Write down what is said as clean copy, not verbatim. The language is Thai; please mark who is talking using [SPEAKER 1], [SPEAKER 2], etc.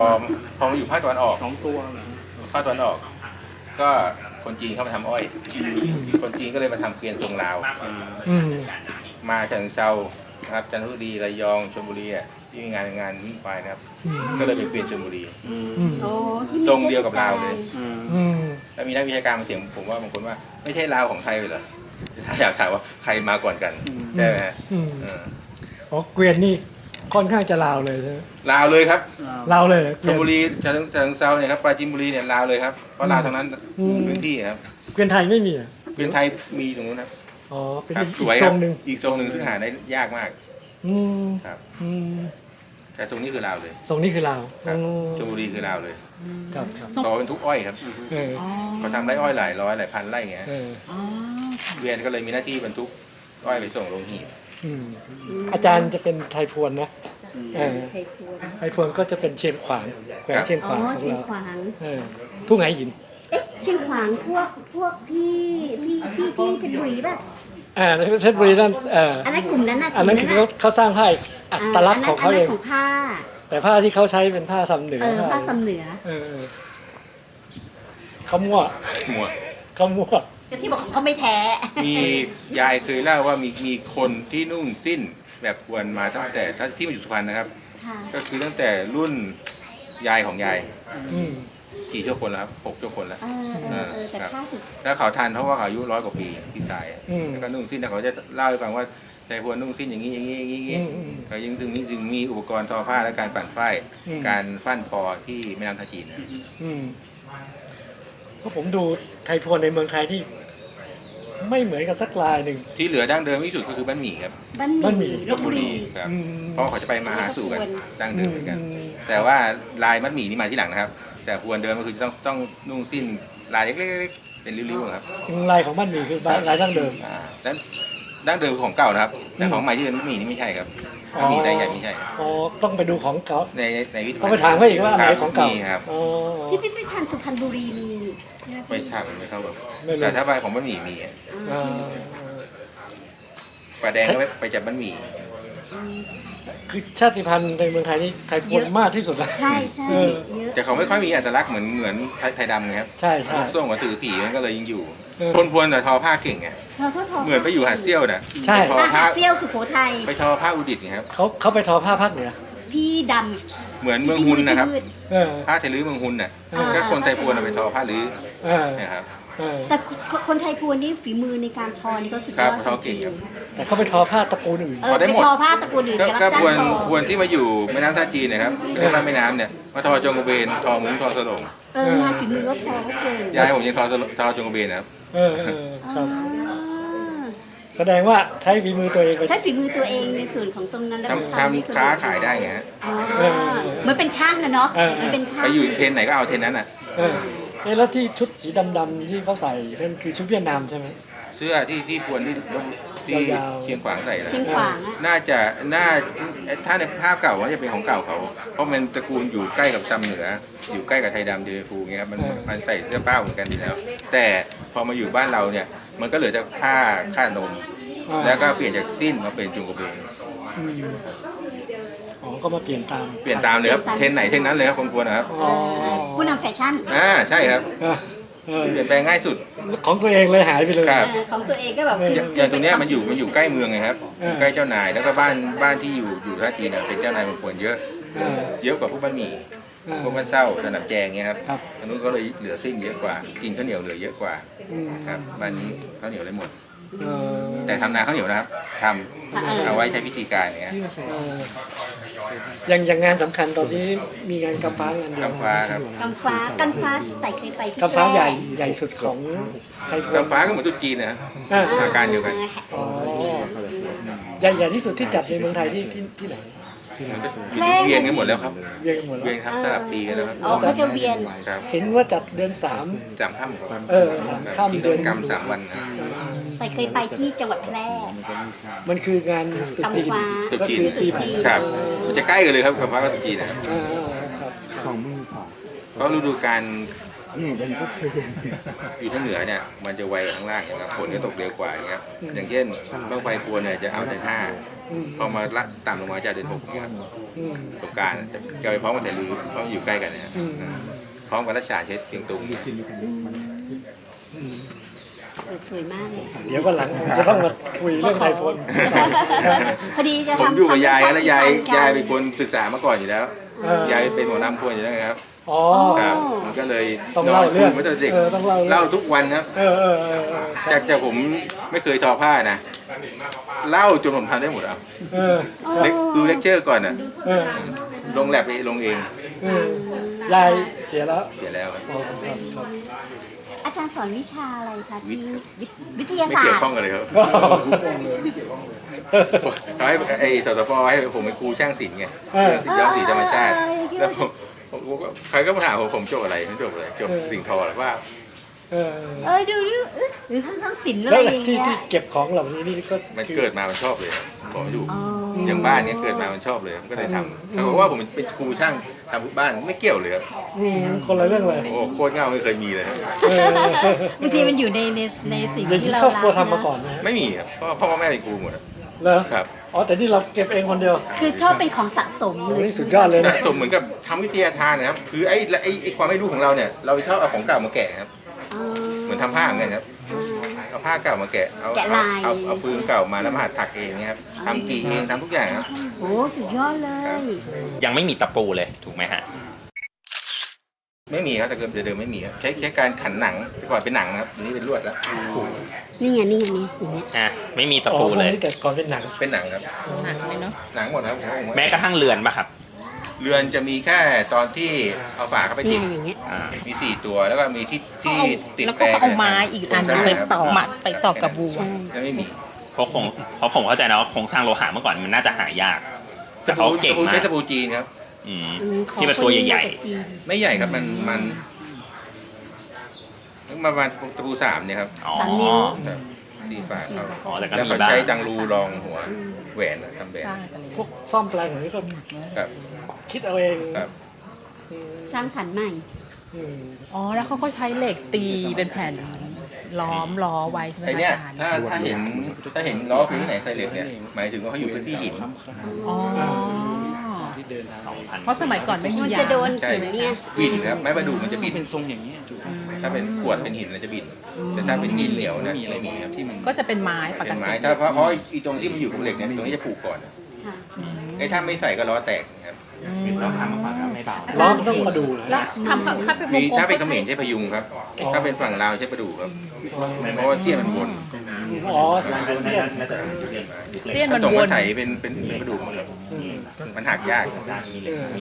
[SPEAKER 1] พอมาอยู่ภาคตะวันออก
[SPEAKER 2] 2 ตัวเหรอ
[SPEAKER 1] ภาคตะวันออก ก็คนจีนเข้ามาทำอ้อย คนจีนก็เลยมาทำเกวียนทรงลาว
[SPEAKER 3] อืม
[SPEAKER 1] มาฉะเชิงเทรานะครับจันทบุรีระยองชลบุรีอ่ะที่มีงานวิ่งควายนะครับ ก็เลยเป็นเกวียนชลบุรี
[SPEAKER 4] โอ้ที่มี
[SPEAKER 1] ทรงเดียวกับลาวเลย
[SPEAKER 3] อืม
[SPEAKER 1] แล้วมีนักวิชาการมาเถียงผมว่าบางคนว่าไม่ใช่ลาวของไทยเลยเหรอถ้าอยากถามว่าใครมาก่อนกันใช่ไหมฮะ
[SPEAKER 3] อืม
[SPEAKER 1] เออ
[SPEAKER 3] อ๋อเกวียนนี่ค่อนข้างจะลาวเลยใช่ไหม
[SPEAKER 1] ลาวเลยครับ
[SPEAKER 3] ลาวเลยเก
[SPEAKER 1] ช
[SPEAKER 3] วี
[SPEAKER 1] ล
[SPEAKER 3] ยน
[SPEAKER 1] บุรีฉะเชิงเทราเนี่ยครับปราจีนบุรีเนี่ยลาวเลยครับเพราะลาวทั้งนั้น
[SPEAKER 3] อืม
[SPEAKER 1] พื้นที่ครับ
[SPEAKER 3] เกวียนไทยไม่มีอ่ะ
[SPEAKER 1] เกวียนไทยมีตรงนู้นครับ
[SPEAKER 3] อ๋อเป็น
[SPEAKER 1] ครับ
[SPEAKER 3] อีก
[SPEAKER 1] สวย
[SPEAKER 3] ท
[SPEAKER 1] ค
[SPEAKER 3] ร
[SPEAKER 1] รับ
[SPEAKER 3] งหนึ่ง
[SPEAKER 1] อีกทรงหนึ่งที่หาได้ยากมาก
[SPEAKER 3] อืม
[SPEAKER 1] ครับ
[SPEAKER 3] อืม
[SPEAKER 1] แต่ตรงนี้คือลาวเลย
[SPEAKER 3] ทรงนี้คือลาว
[SPEAKER 1] ครับ
[SPEAKER 3] อืม
[SPEAKER 1] ชลบุรีคือลาวเลย
[SPEAKER 3] ครับครับ
[SPEAKER 1] ต่อเป็นทุกอ้อยครับ
[SPEAKER 3] เออ
[SPEAKER 4] อ๋อ
[SPEAKER 1] เขาทำไร่อ้อยหลายร้อยหลายพันไร่อย่างเงี้ย
[SPEAKER 3] เออ
[SPEAKER 4] อ๋อ
[SPEAKER 1] เวียนก็เลยมีหน้าที่บรรทุกอ้อยไปส่งโรงหีบ
[SPEAKER 3] อืมอาจารย์จะเป็นไทยพวนนะเออ
[SPEAKER 4] ไทยพวน
[SPEAKER 3] ไทยพวนก็จะเป็นเชียงขวางแขวงเชียง
[SPEAKER 4] อ๋
[SPEAKER 3] ข
[SPEAKER 4] อ
[SPEAKER 3] วางของ
[SPEAKER 4] เชียง
[SPEAKER 3] เรา
[SPEAKER 4] ขวาง
[SPEAKER 3] เออทุ่งไหหิน
[SPEAKER 4] เอ๊ะเชียงขวางพวกพี่ที่เพชรบุรีป่ะ
[SPEAKER 3] ในเพชรบุรีนั่น
[SPEAKER 4] อันนั้นกลุ่มนั้นนะ
[SPEAKER 3] อันนั้นคือเขาสร้างผ้าอัตลักษณ์ของเขาเอง
[SPEAKER 4] นนั้นของผ้า
[SPEAKER 3] แต่ผ้าที่เขาใช้เป็นผ้าซ้ำเหนือ
[SPEAKER 4] ผ้าสำเหนือ
[SPEAKER 3] เออเขามั่ว
[SPEAKER 1] หมวด
[SPEAKER 3] เขามั่ว
[SPEAKER 4] ก็ที่บอกเขาไม่แท้
[SPEAKER 1] มียายเคยเล่าว่ามีคนที่นุ่งสิ้นแบบควรมาตั้งแต่ที่มาอยู่สุพรรณนะครับ
[SPEAKER 4] ค่ะ
[SPEAKER 1] ก็คือตั้งแต่รุ่นยายของยาย
[SPEAKER 3] อืม
[SPEAKER 1] กี่ชั่วคนแล้วครับ6ชั่วคนแล้ว
[SPEAKER 4] แต่ผ้าสุด
[SPEAKER 1] แล้วเขาทันเพราะว่าเขาอายุ100 กว่าปีที่ตายอะ
[SPEAKER 3] อืม
[SPEAKER 1] แล้วก็นุ่งสิ้นแต่เขาจะเล่าให้ฟังว่าใจพวนนุ่งสิ้นอย่างนี้อย่างนี้อย่างนี้อย่างนี้
[SPEAKER 3] อืม
[SPEAKER 1] เขายังถึงมีอุปกรณ์ทอผ้าและการปั่นฝ้าย
[SPEAKER 3] อืม
[SPEAKER 1] การฟั่นทอที่แม่น้ำท่าจีนนะ
[SPEAKER 3] อืมเพราะผมดูไทยพวนในเมืองไทยที่ ไม่เหมือนกันสักลายหนึ่ง
[SPEAKER 1] ที่เหลือดั้งเดิมที่สุดก็คือบ้านหมี่ครับ
[SPEAKER 4] บ้าน
[SPEAKER 3] บ้านหมี่
[SPEAKER 4] หมี่ลบบุรี
[SPEAKER 1] ครับ
[SPEAKER 3] อืม
[SPEAKER 1] เพราะเขาจะไปมาหาสู่กันดั้งเดิมเหมือนกัน
[SPEAKER 3] อืม
[SPEAKER 1] แต่ว่าลายมัดหมี่นี่มาที่หลังนะครับ แต่พวนเดิมก็คือต้องนุ่งสิ้นลายเล็กๆเป็นริ้วๆครับ
[SPEAKER 3] ลายของบ้านหมี่คือลายดั้งเดิม
[SPEAKER 1] แล้วดั้งเดิมของเก่านะครับ แต่ของใหม่ที่เป็นมัดหมี่นี่ไม่ใช่ครับ
[SPEAKER 3] อ๋อ
[SPEAKER 1] มัดหมี่ได้ใหญ่ไม่ใช่
[SPEAKER 3] อ๋อต้องไปดูของเก่า
[SPEAKER 1] ในวิทย
[SPEAKER 3] ต้องไปถามเขาอีกว่าอันไหนของเก่า
[SPEAKER 1] มีครับ
[SPEAKER 3] อ๋อ
[SPEAKER 4] ที่พิพิธภัณฑ์สุพรรณบุรีมีใช่ไหม
[SPEAKER 1] ไม่ทราบมันไม่เข้าแบบ
[SPEAKER 3] ไม่รู้
[SPEAKER 1] แต่ถ้าใบของมัดหมี่มีอะ
[SPEAKER 3] อ่า
[SPEAKER 1] ปลาแดงก็ไปจับมัดหมี่
[SPEAKER 3] คือชาติพันธุ์ในเมืองไทยนี่ไทยพวนมากที่สุดนะ
[SPEAKER 4] ใช่ใช่
[SPEAKER 3] เออ
[SPEAKER 4] เยอะ
[SPEAKER 1] แต่เขาไม่ค่อยมีอัตลักษณ์เหมือนไทยดำนะครับ
[SPEAKER 3] ใช่ใช่
[SPEAKER 1] ส้มกับถือผีมันก็เลยยังอยู่
[SPEAKER 3] เออ
[SPEAKER 1] คนพวนแต่ทอผ้าเก่งไง
[SPEAKER 4] เราทอทอ
[SPEAKER 1] เหมือนไปอยู่หาดเซี่ยวน่ะ
[SPEAKER 3] ใช่
[SPEAKER 1] ไปทอ
[SPEAKER 4] อา
[SPEAKER 1] ผ้า
[SPEAKER 4] หารเซี่ยวสุโขทัย
[SPEAKER 1] ไปทอผ้าอุดิตไงครับ
[SPEAKER 3] เขาไปทอผ้าภาคเหนือ
[SPEAKER 4] พี่ด
[SPEAKER 1] เหมือน
[SPEAKER 4] ำ
[SPEAKER 1] เมืองฮุนนะครับ
[SPEAKER 3] เออ
[SPEAKER 1] ผ้าไทยลื้อเมืองฮุนน่ะ
[SPEAKER 3] อ่า
[SPEAKER 1] ก็คนไทยพวนเอาไปทอผ้าลื้อ
[SPEAKER 3] เออ
[SPEAKER 1] นะครับ
[SPEAKER 3] เออ
[SPEAKER 4] แต่คนไทยพวนนี่ฝีมือในการทอนี่ก็สุดย
[SPEAKER 1] ครั
[SPEAKER 4] อบ ด
[SPEAKER 1] ทอ
[SPEAKER 4] จ
[SPEAKER 1] เก่
[SPEAKER 4] ริ
[SPEAKER 1] ง
[SPEAKER 4] ง
[SPEAKER 1] ครับ
[SPEAKER 3] แต่เขาไปทอผ้าตระกูลอื่น
[SPEAKER 4] ๆไป
[SPEAKER 1] ได้หมด
[SPEAKER 4] ทอผ้าตระกูลอื่น
[SPEAKER 1] ก็
[SPEAKER 4] รับ
[SPEAKER 1] ก็
[SPEAKER 4] จ้าง
[SPEAKER 1] พวน
[SPEAKER 4] ทอ
[SPEAKER 1] พวนที่มาอยู่แม่น้ำท่าจีนนะครับเรียกว่าแม่น้ำเนี่ยมาทอจงกระเบนทอมุ้งทอสลง
[SPEAKER 4] งานฝีมือก็ทอเขาเก่ง
[SPEAKER 1] ยายผมยังทอจงกระเบนนะครับ
[SPEAKER 3] เออครับ
[SPEAKER 4] อ่า
[SPEAKER 3] แสดงว่าใช้ฝีมือตัวเองไป
[SPEAKER 4] ใช้ฝีมือตัวเองในส่วนของตรงนั้นแล้วก็
[SPEAKER 1] ทำ
[SPEAKER 4] ให้น
[SPEAKER 1] ค้าขายได้ไงฮะ
[SPEAKER 4] อ๋อ
[SPEAKER 3] เออ
[SPEAKER 4] เหมือนเป็นช่างนะเนาะ
[SPEAKER 3] เออ
[SPEAKER 4] เหมันเป็นช่าง
[SPEAKER 1] ไปอยู่เทรนไหนก็เอาเทรนนั้นน่ะ
[SPEAKER 3] เออแล้วที่ชุดสีดำๆที่เขาใส่นั่นคือชุดเวียดนามใช่ไหม
[SPEAKER 1] เสื้อที่พวนที่
[SPEAKER 3] ยาวๆ
[SPEAKER 1] เชียงขวางใส่นะ
[SPEAKER 4] เชียงขวางอะ
[SPEAKER 1] น่าถ้าในภาพเก่ามันจะเป็นของเก่าเขา เพราะมันตระกูลอยู่ใกล้กับซำเหนือ อยู่ใกล้กับไทยดำเดนฟูเงี้ยครับมันใส่เสื้อเป้าเหมือนกันอยู่แล้ว แต่พอมาอยู่บ้านเราเนี่ยมันก็เหลือแต่ค่านม แล้วก็เปลี่ยนจากสิ้นมาเป็นจุงกระเบน
[SPEAKER 3] อืมอ๋อก็มาเปลี่ยนตาม
[SPEAKER 1] เปลี่ยนตามเลยครับเทรนไหนเทรนนั้นเลยครับคนพวนนะครับ
[SPEAKER 3] อ๋อ
[SPEAKER 4] ผู้นำแฟชั่น
[SPEAKER 1] ใช่ครับ
[SPEAKER 3] เออเออ
[SPEAKER 1] เปลี่ยนแปลงง่ายสุด
[SPEAKER 3] ของตัวเองเลยหายไปเลย
[SPEAKER 1] ครับ
[SPEAKER 4] ของตัวเองก็แบบ
[SPEAKER 1] อย่างตรงเนี้ยมันอยู่ใกล้เมืองไงครับ
[SPEAKER 3] เออ
[SPEAKER 1] ใกล้เจ้านายแล้วก็บ้านที่อยู่ท่าจีนเป็นเจ้านายคนพวนเยอะ
[SPEAKER 3] เออ
[SPEAKER 1] เยอะกว่าพวกบ้านหมี่
[SPEAKER 3] เออ
[SPEAKER 1] พวกบ้านเศร้าสนามแจงเงี้ยครับ
[SPEAKER 3] ครับ
[SPEAKER 1] อันนู้นก็เลยเหลือซิ่งเยอะกว่า กินข้าวเหนียวเหลือเยอะกว่า
[SPEAKER 3] อืม
[SPEAKER 1] ครับบ้านนี้ข้าวเหนียวเลยหมด
[SPEAKER 3] เออ
[SPEAKER 1] แต่ทำนาข้าวเหนียวนะครับทำเอาไว้ใช้พิธีการอย่างเงี้ย
[SPEAKER 3] เอออย่างงานสำคัญตอนนี้มีงานกำฟ้างานเดียว
[SPEAKER 1] กำฟ้าครับ
[SPEAKER 4] กำฟ้าไต่เคยไปที่
[SPEAKER 3] กำฟ้าใหญ่สุดของไทยพวน
[SPEAKER 1] กำฟ้าก็เหมือนตุ๊จีนนะครับ
[SPEAKER 3] อ่า
[SPEAKER 1] อาการเดียวกัน
[SPEAKER 3] อ๋อใหญ่ที่สุดที่จัดในเมืองไทยที่ไหน
[SPEAKER 1] เวียนกันหมดแล้วครับ
[SPEAKER 3] เวียนกันหมดแล้
[SPEAKER 1] เวียน
[SPEAKER 3] ว
[SPEAKER 1] ครับสลับปีกันแล้วครับ
[SPEAKER 4] อ๋อเขาจะเวียน
[SPEAKER 1] ครับ
[SPEAKER 3] เห็นว่าจัดเดือน3
[SPEAKER 1] สามค่ำครับ
[SPEAKER 3] เออข้าม
[SPEAKER 1] ที่
[SPEAKER 3] เดือน
[SPEAKER 1] กรรม3 วันครับ
[SPEAKER 4] แต่เคยไปที่จังหวัดแพร่
[SPEAKER 3] มันคืองานตรุษจีน
[SPEAKER 4] กำฟ้า
[SPEAKER 1] ตุ๊
[SPEAKER 3] ก็
[SPEAKER 1] จีน
[SPEAKER 3] คือปีใหม่
[SPEAKER 1] ครับมันจะใกล้กันเลยครับกำฟ้ากับตุ๊จีนนะครับ
[SPEAKER 3] อ่าครับ
[SPEAKER 2] 22,000
[SPEAKER 1] ก็ฤดูการ
[SPEAKER 2] นี่เป็นก็คือ
[SPEAKER 1] อยู่ทางเหนือเนี่ยมันจะไวกว่าข้างล่างนะครับฝนก็ตกเร็วกว่าอย่างเงี้ยอย่างเช่นบ้างไฟพวนเนี่ยจะเอาเดือน5พอมาละต่ำลงมาจะเดือน6เนี่ย
[SPEAKER 3] อืม
[SPEAKER 1] ตรงกลางจะไปพร้อมกับแต่ลือเพราะมันอยู่ใกล้กันเนี่ย
[SPEAKER 3] อืม
[SPEAKER 1] พร้อมกับรัชฉานเช็ดเพียงตุง
[SPEAKER 2] ที่นี่กันมัน
[SPEAKER 4] สวยมากเลย
[SPEAKER 3] เดี๋ยววันหลังผมจะต้องมาคุยเรื่องไทยพล
[SPEAKER 4] พอดีจะ
[SPEAKER 1] ผม
[SPEAKER 4] ทำ
[SPEAKER 1] อยู่กับยาย
[SPEAKER 4] ทำ
[SPEAKER 1] แล้วยาย
[SPEAKER 4] ติดตม
[SPEAKER 1] ยาย
[SPEAKER 4] กั
[SPEAKER 1] เป็นคนศึกษามาก่อนอยู่แล้ว
[SPEAKER 3] เออ
[SPEAKER 1] ยายเป็นหมอลำพวนอยู่แล้วครับ
[SPEAKER 3] อ๋อ
[SPEAKER 1] ครับมันก็เลย
[SPEAKER 3] ต้องเล่าเรื่อง
[SPEAKER 1] มาตั้งแต่เด็ก
[SPEAKER 3] ต้องเล่าเรื่อง
[SPEAKER 1] เล่าทุกวันครับ
[SPEAKER 3] เออเออเออเออใช่
[SPEAKER 1] จากผมไม่เคยทอผ้านะเล่าจนผมทำได้หมดอ่ะ
[SPEAKER 3] เออ
[SPEAKER 1] ดูเลคเชอร์ก่อนอ่ะ
[SPEAKER 3] เออ
[SPEAKER 1] ลงแลบไปลงเอง
[SPEAKER 3] เออยายเสียแล้ว
[SPEAKER 1] เดี๋ยวแล้วครับ
[SPEAKER 3] อ๋อครับครับ
[SPEAKER 4] อาจารย์สอนวิชาอะไรคะที่วิทยา
[SPEAKER 1] ไม่
[SPEAKER 4] ศา
[SPEAKER 1] เกี่ย
[SPEAKER 4] สต
[SPEAKER 1] ว
[SPEAKER 4] ร์
[SPEAKER 1] ข้องกันเลยครับเขาให้ไอ้สตปให้ผมเป็นครูช่างศิลป์ไงเรื่องย้อมสีธรรมชาติแล้วผมก็ใครก็มาถามผมจบอะไรผมจบอะไรจบสิ่งทอหรือว่า
[SPEAKER 3] เออ
[SPEAKER 4] ดูหรือทั้งศิลป์อะ
[SPEAKER 3] แล้
[SPEAKER 4] ไร
[SPEAKER 3] ว
[SPEAKER 4] อย่าง
[SPEAKER 3] ที่
[SPEAKER 4] เงี้ย
[SPEAKER 3] ที่เก็บของเหล่านี้นี่ก็
[SPEAKER 1] มัน
[SPEAKER 3] คือ
[SPEAKER 1] เกิดมามันชอบเลยบอกอยู่
[SPEAKER 4] อ๋อ
[SPEAKER 1] อย่างบ้านเนี้ยเกิดมามันชอบเลยมันก็เลยทำเขาบอกว่าผมเป็นครูช่างทำบ้านไม่เกี่ยวเลยครับ
[SPEAKER 3] คนละเรื่องเลย
[SPEAKER 1] โอ้โคตรเง่าไม่เคยมีเลยครับ
[SPEAKER 3] เออบ
[SPEAKER 4] างทีมันอยู่ในสิ่ง
[SPEAKER 3] อย่าง
[SPEAKER 4] ที่
[SPEAKER 3] นี้
[SPEAKER 4] เรา
[SPEAKER 3] ครอบครัว
[SPEAKER 4] รัก
[SPEAKER 3] ทำมา
[SPEAKER 4] นะ
[SPEAKER 3] ก่อนนะฮะ
[SPEAKER 1] ไม่มีครับเพราะพ่อแม่เป็นครูหมดอะ
[SPEAKER 3] เหรอ
[SPEAKER 1] ครับ
[SPEAKER 3] อ๋อแต่นี่เราเก็บเองคนเดียว
[SPEAKER 4] คือชอบเป็นของสะสม
[SPEAKER 3] โอ้
[SPEAKER 4] เลย
[SPEAKER 3] นี่สุดยอดเลย
[SPEAKER 1] สะ
[SPEAKER 3] นะ
[SPEAKER 1] สมเหมือนกับทำวิทยาทานนะครับคือไอ้ความไม่รู้ของเราเนี่ยเราชอบเอาของเก่ามาแกะครับ
[SPEAKER 4] อ๋อ
[SPEAKER 1] เหมือนทำผ้าเหมือนกันครับเอาผ้าเก่ามาแกะเอา
[SPEAKER 4] แกะลาย
[SPEAKER 1] เอาฟืนเก่ามาแล้วมาหัดถักเองเนี่ยครับทำกี่เองทำทุกอย่างครับ
[SPEAKER 4] โอ้สุดยอดเลย
[SPEAKER 5] ยังไม่มีตะปูเลยถูกไหมฮะ
[SPEAKER 1] ไม่มีครับแต่เดิมไม่มีครับใช้การขันหนังแต่ก่อนเป็นหนังนะครับทีนี้เป็นลวดแล้ว
[SPEAKER 4] นี่ไงนี่ไงนี่อย่างเงี้ย
[SPEAKER 5] อ่ะ ไม่มีตะ
[SPEAKER 3] อ๋อ
[SPEAKER 5] ปู
[SPEAKER 3] พวก
[SPEAKER 5] เลย
[SPEAKER 3] นี้แต่ก่อนเป็นหนัง
[SPEAKER 1] เป็นหนังครับ
[SPEAKER 6] หนักเลยเนาะ
[SPEAKER 1] หนังหมดครับผม
[SPEAKER 5] แม้กระทั่งเรือนป่ะครับ
[SPEAKER 1] เรือนจะมีแค่ตอนที่เอาฝาเข้าไป
[SPEAKER 4] เนี่
[SPEAKER 1] ติ
[SPEAKER 4] ย
[SPEAKER 1] ด
[SPEAKER 4] อย่างเงี้ย
[SPEAKER 5] อ่า
[SPEAKER 1] มี4ตัวแล้วก็มีที่ติด
[SPEAKER 6] แล้ว
[SPEAKER 1] แป
[SPEAKER 6] ก็
[SPEAKER 1] ร
[SPEAKER 6] เอาไม้อีกอันนึงไปต่อมัดไปต่อกับบัว
[SPEAKER 4] ใช่
[SPEAKER 1] แล้วไม่มี
[SPEAKER 5] เพราะผมเข้าใจนะว่าโครงสร้างโลหะเมื่อก่อนมันน่าจะหายาก แต่เขาเก่งมา
[SPEAKER 1] ใช้
[SPEAKER 5] ก
[SPEAKER 1] ตะปูจีนครับ
[SPEAKER 5] อืม
[SPEAKER 4] ของ
[SPEAKER 5] ที่เป็นตัวใหญ่
[SPEAKER 4] คนมาจากจีน
[SPEAKER 1] ไม่ใหญ่ครับมันประมาณตะปู3เนี่ยครับ
[SPEAKER 5] ๆ อ๋อ
[SPEAKER 4] สามนิ้ว
[SPEAKER 1] ครับตีฝาเขา
[SPEAKER 5] อ๋อแต่ก็
[SPEAKER 1] แล้ว
[SPEAKER 5] มี
[SPEAKER 1] เขา
[SPEAKER 5] บ้าง
[SPEAKER 1] ใช้จังรูรองหัวแหวนอะทำแหวน
[SPEAKER 6] สร้างกันเลย
[SPEAKER 3] พวกซ่อมแปลงอย่างนี้ก็
[SPEAKER 1] ครับ
[SPEAKER 3] คิดเอาเอง
[SPEAKER 1] ครับ
[SPEAKER 3] อืม
[SPEAKER 4] สร้างสรรค์ใหม่
[SPEAKER 3] อืม
[SPEAKER 6] อ๋อ แล้วเขาก็ใช้เหล็กตีเป็นแผ่นล้อมล้อไว้ใช่ไหม
[SPEAKER 1] ไอ
[SPEAKER 6] คะ
[SPEAKER 1] เนี้ย
[SPEAKER 6] อาจารย์
[SPEAKER 1] ถ้าเห็นล้อคือที่ไหนใส่เหล็กเนี่ยหมายถึงว่าเขาอยู่พื้นที่หิน
[SPEAKER 6] อ๋อ
[SPEAKER 5] 2,000
[SPEAKER 6] เพราะสมัยก่อนไม่มี
[SPEAKER 4] มัน
[SPEAKER 6] ยา
[SPEAKER 4] จะโดน
[SPEAKER 1] ใช่
[SPEAKER 4] หินเนี่ย
[SPEAKER 1] บินครับไม้ประดู่มันจะบิน
[SPEAKER 7] เป็นทรงอย่างนี้ยถูกไหม
[SPEAKER 1] ถ้าเป็นขวดเป็นหินมันจะบินแต่ถ้าเป็นดินเหนียวเนี่ยไม่มีครับ
[SPEAKER 7] ที่มัน
[SPEAKER 6] ก็จะเป็นไม้ป
[SPEAKER 1] เป็
[SPEAKER 6] ก
[SPEAKER 1] นไม้
[SPEAKER 6] ติ
[SPEAKER 1] ถ้าเพราะอีตรงที่มันอยู่กับเหล็กเนี่ยตรงนี้จะผูกก่อน
[SPEAKER 4] ค่ะ
[SPEAKER 1] ไอ้ถ้าไม่ใส่ก็ล้อแตกครับ
[SPEAKER 5] เราทำมาก่อนแล้วไม่เบา
[SPEAKER 3] ล้อมนต้องมาดูนะ
[SPEAKER 6] แล้วทำถ้าเป็นว
[SPEAKER 1] มี
[SPEAKER 6] งกลม
[SPEAKER 1] ถ้าเป็นเข
[SPEAKER 6] ก็
[SPEAKER 1] ม
[SPEAKER 6] ใช้
[SPEAKER 1] รใช้พยุงครับ ถ้าเป็นฝั่งลาวใช้ประดู่ครับเพราะว่าเสี้ยนมันวน
[SPEAKER 3] อ๋อเสี้ยน
[SPEAKER 6] เสี้ยนมัน
[SPEAKER 1] ถ้าตรง
[SPEAKER 6] ว
[SPEAKER 1] มัน นไถเป็นประดู่หมดครับมันหักยาก
[SPEAKER 3] เออ